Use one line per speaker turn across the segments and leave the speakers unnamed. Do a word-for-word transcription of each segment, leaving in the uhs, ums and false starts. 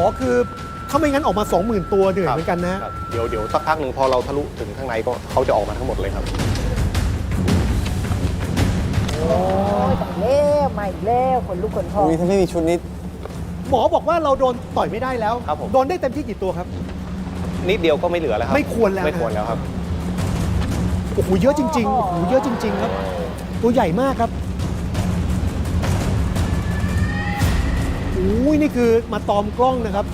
อคือถ้าไม่งั้นออกมาสองหมื่นตัวเหนื่อย
ครับ
เหมือนกันนะ
ครับเดี๋ยวเดี๋ยวสักพักหนึ่งพอเราทะลุถึงข้างในก็เขาจะออกมาทั้งหมดเลยครับ
โอ้ยแต่เล้วมาอีกแล้วคนลุกคนพอง
อุ้ยถ้าไม่มีชุดนี้
หมอบอกว่าเราโดนต่อยไม่ได้แล้ว
ครับผม
โดนได้เต็มที่กี่ตัวครับ
นิดเดียวก็ไม่เหลือแล้วครับ
ไม่ควรแล้วนะ
ไม่ควรแล้วครับ
โอ้โหเยอะจริงๆโอ้โหเยอะจริง ๆ ครับ ตัวใหญ่มากครับโอ้ยนี่คือมาตอมกล้องนะครับ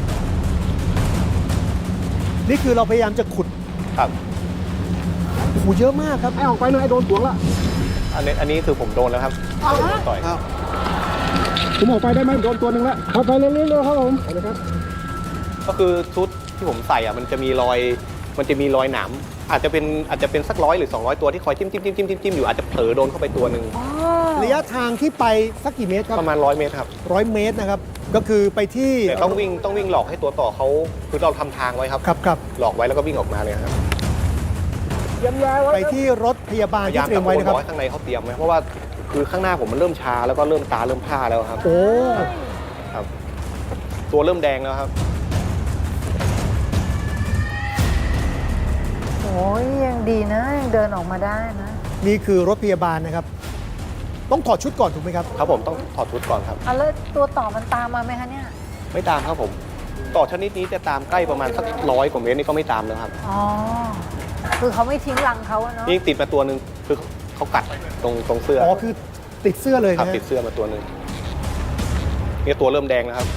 นี่คือเราพยายามจะขุด
ครับ
โอ้โหเยอะมากครับไอ้ออกไปเลยไอ้โดนสวงละ
อันนี้อันนี้คือผมโดนแล้วครับโดนต่อย
ผมออกไปได้ไหมโดนตัวหนึ่งแล้วเอาไปเรื่อยๆครับผมเอาเลยครับ
ก็คือชุดที่ผมใส่อ่ะมันจะมีรอยมันจะมีรอยหนามอาจจะเป็นอาจจะเป็นสักร้อยหรือสองร้อยตัวที่คอยจิ้มจิ้มจิ้มจิ้มจิ้มอยู่อาจจะเผลอโดนเข้าไปตัวหนึ่ง
ระยะทางที่ไปสักกี่เมตรครับ
ประมาณร้อยเมตรครับ
ร้อยเมตรนะครับ ก็คือไปที่
แต่ต้องวิ่งต้องวิ่งหลอกให้ตัวต่อเขาคือเราทำทางไว้ครับ
ครับครับ
หลอกไว้แล้วก็วิ่งออกมาเลยครับ
เยี่ยมยาย
ไปที่รถพยาบาล
พยา
ที่
ยาม
เตรีย
ตะ
ม
โก
ไว้
น
นะครับ
บอกให้ข้างในเขาเตรียมไว้เพราะว่าคือข้างหน้าผมมันเริ่มชาแล้วก็เริ่มตาเริ่มผ้าแล้วครับ
โอ้
ครับ ตัวเริ่มแดงแล้วครับ
โอ้ยยังดีนะยังเดินออกมาได้นะ
นี่คือรถพยาบาลนะครับ ต้องถอดชุดก่อนถูกไหมครับ
ครับผมต้องถอดชุดก่อนครับ
อ่ะแล้วตัวต่อมันตามมาไหมคะเนี่ย
ไม่ตามครับผม ต่อชนิดนี้จะตามใกล้ประมาณสักร้อยกว่าเมตรนี่ก็ไม่ตามแล้วครับ
อ๋อ คือเขาไม่ทิ้งรังเขาอะเนาะ
นี่ติดมาตัวหนึ่งคือเขากัดตรงตรงเสื้อ
อ๋อ คือติดเสื้อเลย
ครับ
นะฮะ
ติดเสื้อมาตัวหนึ่งนี่ตัวเริ่มแดงแล้วครับ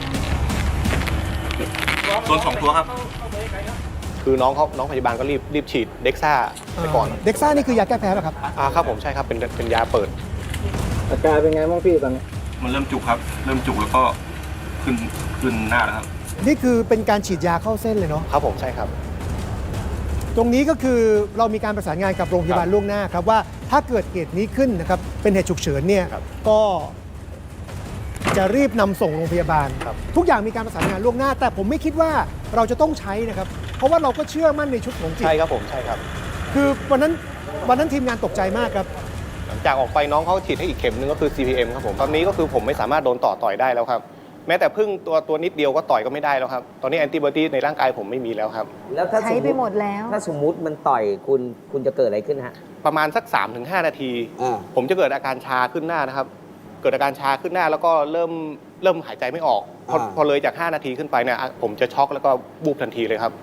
โดนสองตัวครับ
คือน้องเขาน้องพยาบาลก็รีบรีบฉีดเด็กซ่าไปก่อน
เด็กซ่านี่คือยาแก้แพ้ป่ะครับ
อ่าครับผมใช่ครับเป็นเป็นยาเปิด
อาการเป็นไงบ้างพี่ตอนนี้
มันเริ่มจุกครับ เริ่มจุกแล้วก็ขึ้นขึ้นหน้าแล้วครับ
นี่คือเป็นการฉีดยาเข้าเส้นเลยเนาะ
ครับผมใช่ครับ
ตรงนี้ก็คือเรามีการประสานงานกับโรงพยาบาล
ครับ
ล่วงหน้าครับว่าถ้าเกิดเหตุนี้ขึ้นนะครับ เป็นเหตุฉุกเฉินเนี่ย
ครับ
ก็จะรีบนำส่งโรงพยาบาล
ครับ
ทุกอย่างมีการประสานงานล่วงหน้า แต่ผมไม่คิดว่าเราจะต้องใช้นะครับ เพราะว่าเราก็เชื่อมั่นในชุดของจิต
ใช่ครับผมใช่ครับ
คือวันนั้นวันนั้นทีมงานตกใจมากครับ
หลังจากออกไปน้องเขาฉีดให้อีกเข็มหนึงก็คือ ซี พี เอ็ม ครับผมตอนนี้ก็คือผมไม่สามารถโดนต่อต่อยได้แล้วครับ แม้แต่พึ่งตัวตัวนิดเดียวก็ต่อยก็ไม่ได้แล้วครับ ตอนนี้แอนติบอดีในร่างกายผมไม่มีแล้วครับ
แล้วถ้า
ใช้
สม
ไป
มุติ
หมดแล้ว
ถ้าสมมุติมันต่อยคุณคุณจะเกิดอะไรขึ้นฮะ
ประมาณสัก สามถึงห้า นาที
อ่า
ผมจะเกิดอาการชาขึ้นหน้านะครับ เกิดอาการชาขึ้นหน้าแล้วก็เริ่มเริ่มหายใจไม่ออก พอ
อ่า
พอเลยจาก ห้า นาทีขึ้นไปเนี่ยอ่ะผมจะช็อกแล้วก็บูบทันทีเลยครับ